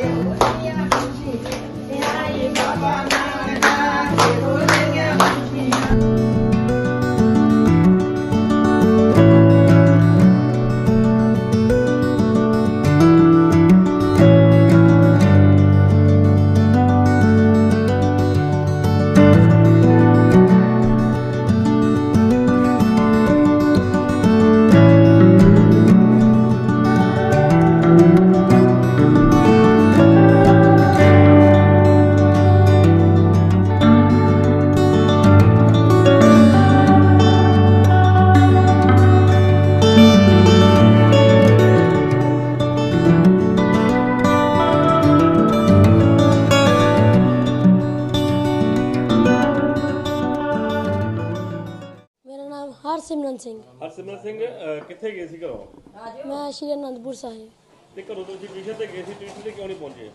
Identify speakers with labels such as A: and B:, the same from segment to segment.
A: ਹਰਸਿਮਰਨ ਸਿੰਘ।
B: ਹਰਸਿਮਰਨ ਸਿੰਘ ਕਿੱਥੇ ਗਏ ਸੀ ਘਰੋਂ?
A: ਮੈਂ ਸ਼੍ਰੀ ਅਨੰਦਪੁਰ ਸਾਹਿਬ।
B: ਤੇ ਘਰੋਂ ਤੁਸੀਂ ਟਿਊਸ਼ਨ ਤੇ ਗਏ ਸੀ, ਟਿਊਸ਼ਨ ਤੇ ਕਿਉਂ ਨਹੀਂ ਪਹੁੰਚੇ?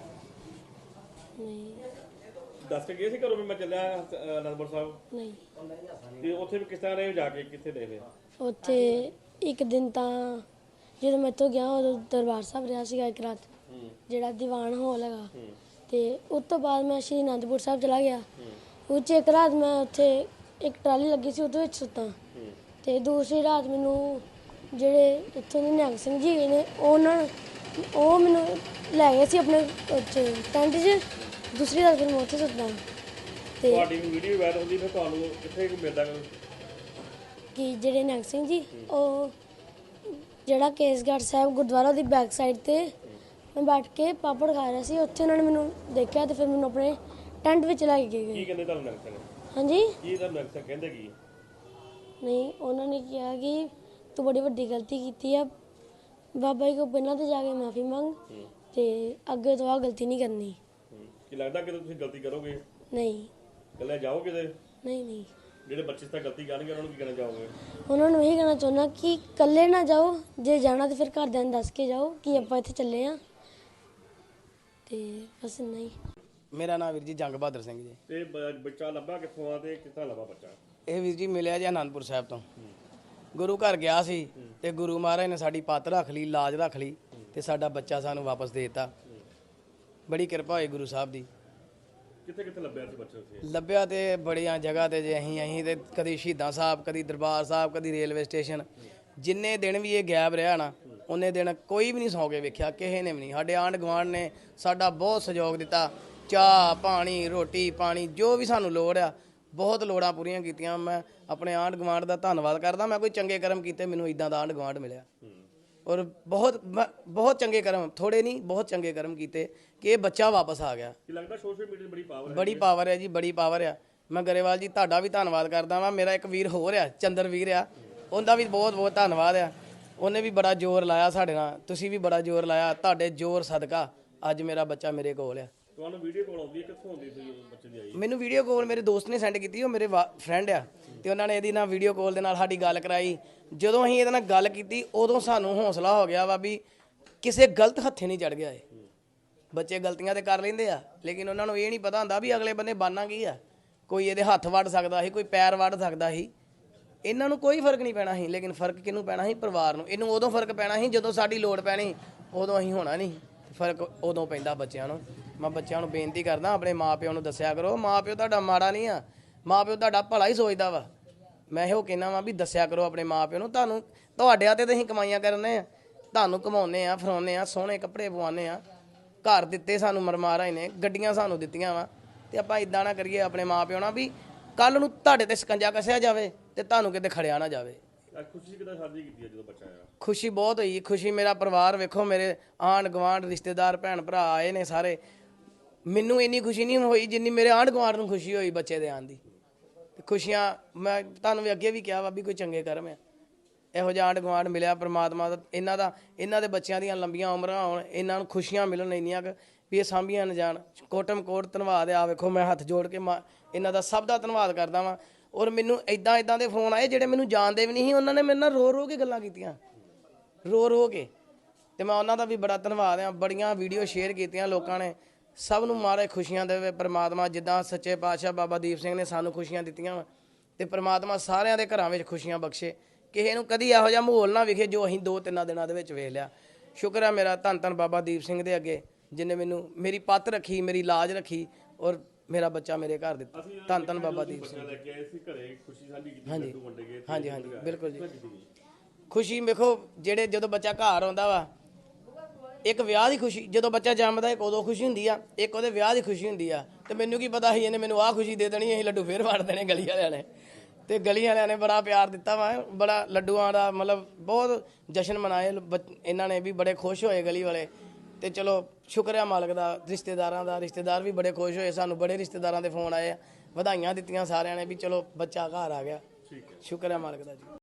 A: ਨਹੀਂ
B: ਦੱਸ ਕੇ ਗਏ ਸੀ ਘਰੋਂ ਵੀ ਮੈਂ ਚੱਲਿਆ ਅਨੰਦਪੁਰ ਸਾਹਿਬ?
A: ਨਹੀਂ।
B: ਤੇ ਉੱਥੇ ਵੀ ਕਿਸ ਤਰ੍ਹਾਂ ਰਹੇ ਜਾ ਕੇ, ਕਿੱਥੇ ਰਹੇ ਫਿਰ?
A: ਉੱਥੇ ਇੱਕ ਦਿਨ ਤਾਂ ਜਦੋਂ ਮੈਂ ਇੱਥੋਂ ਗਿਆ ਉਦੋਂ ਦਰਬਾਰ ਸਾਹਿਬ ਰਿਹਾ ਸੀਗਾ ਇੱਕ ਰਾਤ, ਜਿਹੜਾ ਦੀਵਾਨ ਹਾਲ ਹੈਗਾ। ਤੇ ਉਸ ਤੋਂ ਬਾਅਦ ਮੈਂ ਸ਼੍ਰੀ ਅਨੰਦਪੁਰ ਸਾਹਿਬ ਚਲਾ ਗਿਆ। ਉਹ 'ਚ ਇੱਕ ਰਾਤ ਮੈਂ ਉੱਥੇ ਇੱਕ ਟਰਾਲੀ ਲੱਗੀ ਸੀ ਉਹਦੇ ਵਿੱਚ ਸੁੱਤਾ। ਤੇ ਦੂਸਰੀ ਰਾਤ ਮੈਨੂੰ ਜਿਹੜੇ ਇੱਥੋਂ ਦੇ ਨਿਹੰਗ ਸਿੰਘ ਜੀ ਨੇ ਉਹ ਮੈਨੂੰ ਲੈ ਗਏ ਸੀ ਆਪਣੇ ਟੈਂਟ 'ਚ। ਦੂਸਰੀ ਰਾਤ ਫਿਰ ਮੈਂ ਉੱਥੇ ਸੁੱਤਾ। ਤੇ
B: ਤੁਹਾਡੀ ਵੀਡੀਓ ਵਾਇਰਲ ਹੁੰਦੀ ਫਿਰ ਤੁਹਾਨੂੰ ਕਿੱਥੇ ਮਿਲਦਾ
A: ਕਿ ਜਿਹੜੇ ਨਿਹੰਗ ਸਿੰਘ ਜੀ ਉਹ ਜਿਹੜਾ ਕੇਸਗੜ੍ਹ ਸਾਹਿਬ ਗੁਰਦੁਆਰਾ ਦੀ ਬੈਕ ਸਾਈਡ ਤੇ ਮੈਂ ਬੈਠ ਕੇ ਪਾਪੜ ਖਾ ਰਿਹਾ ਸੀ, ਉੱਥੇ ਉਹਨਾਂ ਨੇ ਮੈਨੂੰ ਦੇਖਿਆ ਤੇ ਫਿਰ ਮੈਨੂੰ ਆਪਣੇ ਟੈਂਟ ਵਿੱਚ ਲੈ ਕੇ ਗਏ।
B: ਕੀ ਕਹਿੰਦੇ ਤੁਹਾਨੂੰ ਨਿਹੰਗ ਸਿੰਘ?
A: ਹਾਂਜੀ
B: ਕੀ ਤੁਹਾਨੂੰ ਨਿਹੰਗ ਸਿੰਘ ਕਹਿੰਦੇ ਕੀ?
A: ਨਹੀਂ, ਉਹਨਾਂ ਨੇ ਕਿਹਾ ਕਿ ਤੂੰ ਬੜੀ ਵੱਡੀ ਗਲਤੀ ਕੀਤੀ ਆ, ਬਾਬਾ ਜੀ ਕੋਲ ਪਹਿਲਾਂ ਤੇ ਜਾ ਕੇ ਮਾਫੀ ਮੰਗ ਤੇ ਅੱਗੇ ਤੋਂ ਆ ਗਲਤੀ ਨਹੀਂ ਕਰਨੀ।
B: ਕੀ ਲੱਗਦਾ ਕਿ ਤੁਸੀਂ ਗਲਤੀ ਕਰੋਗੇ?
A: ਨਹੀਂ।
B: ਕੱਲੇ ਜਾਓਗੇ ਤੇ?
A: ਨਹੀਂ।
B: ਜਿਹੜੇ ਬੱਚੇ ਤਾਂ ਗਲਤੀ ਕਰਨਗੇ ਉਹਨਾਂ ਨੂੰ ਕੀ ਕਹਿਣਾ ਚਾਹੋਗੇ?
A: ਉਹਨਾਂ ਨੂੰ ਇਹੀ ਕਹਿਣਾ ਚਾਹੁੰਦਾ ਕਿ ਇਕੱਲੇ ਨਾ ਜਾਓ, ਜੇ ਜਾਣਾ ਤੇ ਫਿਰ ਘਰਦਿਆਂ ਨੂੰ ਦੱਸ ਕੇ ਜਾਓ ਕਿ ਆਪਾਂ ਇੱਥੇ ਚੱਲੇ ਆ। ਤੇ ਬਸ ਨਹੀਂ।
C: ਮੇਰਾ ਨਾਮ ਵੀਰ ਜੀ ਜੰਗ ਬਹਾਦਰ ਸਿੰਘ ਜੀ।
B: ਤੇ ਬੱਚਾ ਲੱਭਾ ਕਿੱਥੋਂ ਆ ਤੇ ਕਿੱਥਾਂ ਲੱਭਾ ਬੱਚਾ?
C: ਇਹ ਵੀਰ ਜੀ ਮਿਲਿਆ ਜੀ ਅਨੰਦਪੁਰ ਸਾਹਿਬ ਤੋਂ। ਗੁਰੂ ਘਰ ਗਿਆ ਸੀ ਤੇ ਗੁਰੂ ਮਹਾਰਾਜ ਨੇ ਸਾਡੀ ਪੱਤ ਰੱਖ ਲਈ, ਲਾਜ ਰੱਖ ਲਈ ਤੇ ਸਾਡਾ ਬੱਚਾ ਸਾਨੂੰ ਵਾਪਸ ਦੇ ਦਿੱਤਾ। ਬੜੀ ਕਿਰਪਾ ਹੋਈ ਗੁਰੂ ਸਾਹਿਬ ਦੀ।
B: ਕਿੱਥੇ ਕਿੱਥੇ ਲੱਭਿਆ ਸੀ ਬੱਚਾ ਉੱਥੇ?
C: ਲੱਭਿਆ ਤੇ ਬੜੀਆਂ ਜਗ੍ਹਾ ਤੇ ਜੇ ਅਸੀਂ ਤੇ ਕਦੀ ਸ਼ਹੀਦਾਂ ਸਾਹਿਬ, ਕਦੀ ਦਰਬਾਰ ਸਾਹਿਬ, ਕਦੀ ਰੇਲਵੇ ਸਟੇਸ਼ਨ। ਜਿੰਨੇ ਦਿਨ ਵੀ ਇਹ ਗਾਇਬ ਰਿਹਾ ਨਾ ਉਹਨੇ ਦਿਨ ਕੋਈ ਵੀ ਨਹੀਂ ਸੌਂ ਕੇ ਵੇਖਿਆ, ਕਿਸੇ ਨੇ ਵੀ ਨਹੀਂ। ਸਾਡੇ ਆਂਢ ਗੁਆਂਢ ਨੇ ਸਾਡਾ ਬਹੁਤ ਸਹਿਯੋਗ ਦਿੱਤਾ, ਚਾਹ ਪਾਣੀ, ਰੋਟੀ ਪਾਣੀ, ਜੋ ਵੀ ਸਾਨੂੰ ਲੋੜ ਆ ਬਹੁਤ ਲੋੜਾਂ ਪੂਰੀਆਂ ਕੀਤੀਆਂ। ਮੈਂ ਆਪਣੇ ਆਂਢ ਗੁਆਂਢ ਦਾ ਧੰਨਵਾਦ ਕਰਦਾ। ਮੈਂ ਕੋਈ ਚੰਗੇ ਕਰਮ ਕੀਤੇ, ਮੈਨੂੰ ਇਦਾਂ ਦਾ ਆਂਢ ਗੁਆਂਢ ਮਿਲਿਆ। ਔਰ ਬਹੁਤ ਚੰਗੇ ਕਰਮ, ਥੋੜੇ ਨਹੀਂ ਬਹੁਤ ਚੰਗੇ ਕਰਮ ਕੀਤੇ ਕਿ ਇਹ ਬੱਚਾ ਵਾਪਸ ਆ ਗਿਆ।
B: ਕੀ ਲੱਗਦਾ ਸੋਸ਼ਲ ਮੀਡੀਆ ਦੀ ਬੜੀ ਪਾਵਰ ਹੈ?
C: ਬੜੀ ਪਾਵਰ ਹੈ ਜੀ, ਬੜੀ ਪਾਵਰ ਆ। ਮੈਂ ਗਰੇਵਾਲ ਜੀ ਤੁਹਾਡਾ ਵੀ ਧੰਨਵਾਦ ਕਰਦਾ ਵਾਂ। ਮੇਰਾ ਇੱਕ ਵੀਰ ਹੋਰ ਆ, ਚੰਦਰ ਵੀਰ ਆ, ਉਹਦਾ ਵੀ ਬਹੁਤ ਬਹੁਤ ਧੰਨਵਾਦ ਆ। ਉਹਨੇ ਵੀ ਬੜਾ ਜ਼ੋਰ ਲਾਇਆ ਸਾਡੇ ਨਾਲ, ਤੁਸੀਂ ਵੀ ਬੜਾ ਜ਼ੋਰ ਲਾਇਆ। ਤੁਹਾਡੇ ਜ਼ੋਰ ਸਦਕਾ ਅੱਜ ਮੇਰਾ ਬੱਚਾ ਮੇਰੇ ਕੋਲ ਆ।
B: ਤੁਹਾਨੂੰ ਵੀਡੀਓ ਕਾਲ ਆਉਂਦੀ ਹੈ, ਕਿੱਥੋਂ ਆਉਂਦੀ ਸੀ ਬੱਚੇ ਦੀ ਆਈ?
C: ਮੈਨੂੰ ਵੀਡੀਓ ਕਾਲ ਮੇਰੇ ਦੋਸਤ ਨੇ ਸੈਂਡ ਕੀਤੀ, ਉਹ ਮੇਰੇ ਫਰੈਂਡ ਆ ਤੇ ਉਹਨਾਂ ਨੇ ਇਹਦੀ ਨਾਲ ਵੀਡੀਓ ਕਾਲ ਦੇ ਨਾਲ ਸਾਡੀ ਗੱਲ ਕਰਾਈ। ਜਦੋਂ ਅਸੀਂ ਇਹਦੇ ਨਾਲ ਗੱਲ ਕੀਤੀ ਉਦੋਂ ਸਾਨੂੰ ਹੌਸਲਾ ਹੋ ਗਿਆ ਵਾ ਵੀ ਕਿਸੇ ਗਲਤ ਹੱਥੇ ਨਹੀਂ ਚੜ ਗਿਆ। ਇਹ ਬੱਚੇ ਗਲਤੀਆਂ ਤੇ ਕਰ ਲੈਂਦੇ ਆ ਲੇਕਿਨ ਉਹਨਾਂ ਨੂੰ ਇਹ ਨਹੀਂ ਪਤਾ ਹੁੰਦਾ ਵੀ ਅਗਲੇ ਬੰਦੇ ਬਾਨਾ ਕੀ ਆ। ਕੋਈ ਇਹਦੇ ਹੱਥ ਵੱਢ ਸਕਦਾ ਸੀ, ਕੋਈ ਪੈਰ ਵੱਢ ਸਕਦਾ ਸੀ। ਇਹਨਾਂ ਨੂੰ ਕੋਈ ਫਰਕ ਨਹੀਂ ਪੈਣਾ ਸੀ, ਲੇਕਿਨ ਫਰਕ ਕਿਹਨੂੰ ਪੈਣਾ ਸੀ? ਪਰਿਵਾਰ ਨੂੰ। ਇਹਨੂੰ ਉਦੋਂ ਫਰਕ ਪੈਣਾ ਸੀ ਜਦੋਂ ਸਾਡੀ ਲੋੜ ਪੈਣੀ, ਉਦੋਂ ਅਸੀਂ ਹੋਣਾ ਨਹੀਂ। ਫਰਕ ਉਦੋਂ ਪੈਂਦਾ ਬੱਚਿਆਂ ਨੂੰ। ਮੈਂ ਬੱਚਿਆਂ ਨੂੰ ਬੇਨਤੀ ਕਰਦਾ ਆਪਣੇ ਮਾਂ ਪਿਓ ਨੂੰ ਦੱਸਿਆ ਕਰੋ। ਮਾਂ ਪਿਓ ਤੁਹਾਡਾ ਮਾੜਾ ਨਹੀਂ ਆ, ਮਾਂ ਪਿਓ ਤੁਹਾਡਾ ਭਲਾ ਹੀ ਸੋਚਦਾ ਵਾ। ਮੈਂ ਇਹੋ ਕਹਿੰਦਾ ਵਾਂ ਵੀ ਦੱਸਿਆ ਕਰੋ ਆਪਣੇ ਮਾਂ ਪਿਓ ਨੂੰ। ਤੁਹਾਨੂੰ ਤੁਹਾਡਿਆਂ ਤੇ ਅਸੀਂ ਕਮਾਈਆਂ ਕਰਨੇ ਆ, ਤੁਹਾਨੂੰ ਕਮਾਉਂਦੇ ਆ, ਫਰਾਉਂਦੇ ਆ, ਸੋਹਣੇ ਕੱਪੜੇ ਪਵਾਉਂਦੇ ਆ, ਘਰ ਦਿੱਤੇ ਸਾਨੂੰ ਮਹਾਰਾਜ ਨੇ, ਗੱਡੀਆਂ ਸਾਨੂੰ ਦਿੱਤੀਆਂ ਵਾ। ਤੇ ਆਪਾਂ ਇਦਾਂ ਨਾ ਕਰੀਏ ਆਪਣੇ ਮਾਂ ਪਿਓ ਨਾਲ ਵੀ ਕੱਲ ਨੂੰ ਤੁਹਾਡੇ ਤੇ ਸਕੰਜਾ ਕੱਸਿਆ ਜਾਵੇ ਤੇ ਤੁਹਾਨੂੰ ਕਿਤੇ ਖੜਿਆ ਨਾ ਜਾਵੇ।
B: ਖੁਸ਼ੀ ਕਿਦਾਂ ਸਾਂਝੀ ਕੀਤੀ ਜਦੋਂ ਬੱਚਾ ਆਇਆ?
C: ਖੁਸ਼ੀ ਬਹੁਤ ਹੋਈ। ਖੁਸ਼ੀ ਮੇਰਾ ਪਰਿਵਾਰ ਵੇਖੋ, ਮੇਰੇ ਆਂਢ ਗੁਆਂਢ ਰਿਸ਼ਤੇਦਾਰ ਭੈਣ ਭਰਾ ਆਏ ਨੇ ਸਾਰੇ। ਮੈਨੂੰ ਇੰਨੀ ਖੁਸ਼ੀ ਨਹੀਂ ਹੋਈ ਜਿੰਨੀ ਮੇਰੇ ਆਂਢ ਗੁਆਂਢ ਨੂੰ ਖੁਸ਼ੀ ਹੋਈ ਬੱਚੇ ਦੇ ਆਉਣ ਦੀ। ਖੁਸ਼ੀਆਂ ਮੈਂ ਤੁਹਾਨੂੰ ਵੀ ਅੱਗੇ ਵੀ ਕਿਹਾ ਵਾ ਵੀ ਕੋਈ ਚੰਗੇ ਕਰਮ ਆ। ਇਹੋ ਜਿਹਾ ਆਂਢ ਗੁਆਂਢ ਮਿਲਿਆ ਪ੍ਰਮਾਤਮਾ ਦਾ। ਇਹਨਾਂ ਦੇ ਬੱਚਿਆਂ ਦੀਆਂ ਲੰਬੀਆਂ ਉਮਰਾਂ ਹੋਣ, ਇਹਨਾਂ ਨੂੰ ਖੁਸ਼ੀਆਂ ਮਿਲਣ ਇੰਨੀਆਂ ਕੁ ਵੀ ਇਹ ਸਾਂਭੀਆਂ ਨਾ ਜਾਣ। ਕੋਟਮ ਕੋਟ ਧੰਨਵਾਦ ਆ। ਵੇਖੋ ਮੈਂ ਹੱਥ ਜੋੜ ਕੇ ਇਹਨਾਂ ਦਾ ਸਭ ਦਾ ਧੰਨਵਾਦ ਕਰਦਾ ਵਾਂ। ਔਰ ਮੈਨੂੰ ਇੱਦਾਂ ਦੇ ਫੋਨ ਆਏ ਜਿਹੜੇ ਮੈਨੂੰ ਜਾਣਦੇ ਵੀ ਨਹੀਂ ਸੀ। ਉਹਨਾਂ ਨੇ ਮੇਰੇ ਨਾਲ ਰੋ ਕੇ ਗੱਲਾਂ ਕੀਤੀਆਂ, ਰੋ ਕੇ। ਤੇ ਮੈਂ ਉਹਨਾਂ ਦਾ ਵੀ ਬੜਾ ਧੰਨਵਾਦ ਆ। ਬੜੀਆਂ ਵੀਡੀਓ ਸ਼ੇਅਰ ਕੀਤੀਆਂ ਲੋਕਾਂ ਨੇ। ਸਭ ਨੂੰ ਮਹਾਰਾਜ ਖੁਸ਼ੀਆਂ ਦੇਵੇ ਪ੍ਰਮਾਤਮਾ। ਜਿੱਦਾਂ ਸੱਚੇ ਪਾਤਸ਼ਾਹ ਬਾਬਾ ਦੀਪ ਸਿੰਘ ਨੇ ਸਾਨੂੰ ਖੁਸ਼ੀਆਂ ਦਿੱਤੀਆਂ ਵਾ ਤੇ ਪ੍ਰਮਾਤਮਾ ਸਾਰਿਆਂ ਦੇ ਘਰਾਂ ਵਿੱਚ ਖੁਸ਼ੀਆਂ ਬਖਸ਼ੇ। ਕਿਸੇ ਨੂੰ ਕਦੀ ਇਹੋ ਜਿਹਾ ਮਾਹੌਲ ਨਾ ਵਿਖੇ ਜੋ ਅਸੀਂ 2-3 ਦਿਨਾਂ ਦੇ ਵਿੱਚ ਵੇਖ ਲਿਆ। ਸ਼ੁਕਰ ਹੈ ਮੇਰਾ ਧੰਨ ਧੰਨ ਬਾਬਾ ਦੀਪ ਸਿੰਘ ਦੇ ਅੱਗੇ ਜਿਨੇ ਮੈਨੂੰ ਮੇਰੀ ਪੱਤ ਰੱਖੀ, ਮੇਰੀ ਲਾਜ ਰੱਖੀ ਔਰ ਮੇਰਾ ਬੱਚਾ ਮੇਰੇ ਘਰ ਦਿੱਤਾ। ਧੰਨ ਧੰਨ ਬਾਬਾ ਦੀਪ ਸਿੰਘ।
B: ਲੈ ਕੇ ਆਏ ਸੀ ਘਰੇ, ਖੁਸ਼ੀ ਸਾਂਝੀ ਕੀਤੀ,
C: ਹਾਂਜੀ
B: ਲੱਡੂ ਵੰਡੇ ਗਏ।
C: ਹਾਂਜੀ ਹਾਂਜੀ ਬਿਲਕੁਲ ਜੀ। ਖੁਸ਼ੀ ਵੇਖੋ, ਜਿਹੜੇ ਜਦੋਂ ਬੱਚਾ ਘਰ ਆਉਂਦਾ ਵਾ, ਇੱਕ ਵਿਆਹ ਦੀ ਖੁਸ਼ੀ, ਜਦੋਂ ਬੱਚਾ ਜੰਮਦਾ ਇੱਕ ਉਦੋਂ ਖੁਸ਼ੀ ਹੁੰਦੀ ਆ, ਇੱਕ ਉਹਦੇ ਵਿਆਹ ਦੀ ਖੁਸ਼ੀ ਹੁੰਦੀ ਆ। ਤੇ ਮੈਨੂੰ ਕੀ ਪਤਾ ਸੀ ਇਹਨੇ ਮੈਨੂੰ ਆਹ ਖੁਸ਼ੀ ਦੇ ਦੇਣੀ, ਅਸੀਂ ਲੱਡੂ ਫੇਰ ਵੰਡ ਦੇਣੇ ਗਲੀ ਵਾਲਿਆਂ ਨੇ। ਤੇ ਗਲੀ ਵਾਲਿਆਂ ਨੇ ਬੜਾ ਪਿਆਰ ਦਿੱਤਾ ਵਾ, ਬੜਾ ਲੱਡੂਆਂ ਦਾ ਮਤਲਬ ਬਹੁਤ ਜਸ਼ਨ ਮਨਾਏ ਇਹਨਾਂ ਨੇ ਵੀ, ਬੜੇ ਖੁਸ਼ ਹੋਏ ਗਲੀ ਵਾਲੇ। ਤੇ ਚਲੋ ਸ਼ੁਕਰ ਆ ਮਾਲਕ ਦਾ, ਰਿਸ਼ਤੇਦਾਰਾਂ ਦਾ, ਰਿਸ਼ਤੇਦਾਰ ਵੀ ਬੜੇ ਖੁਸ਼ ਹੋਏ। ਸਾਨੂੰ ਬੜੇ ਰਿਸ਼ਤੇਦਾਰਾਂ ਦੇ ਫੋਨ ਆਏ ਆ, ਵਧਾਈਆਂ ਦਿੱਤੀਆਂ ਸਾਰਿਆਂ ਨੇ ਵੀ ਚਲੋ ਬੱਚਾ ਘਰ ਆ ਗਿਆ। ਸ਼ੁਕਰ ਆ ਮਾਲਕ ਦਾ ਜੀ।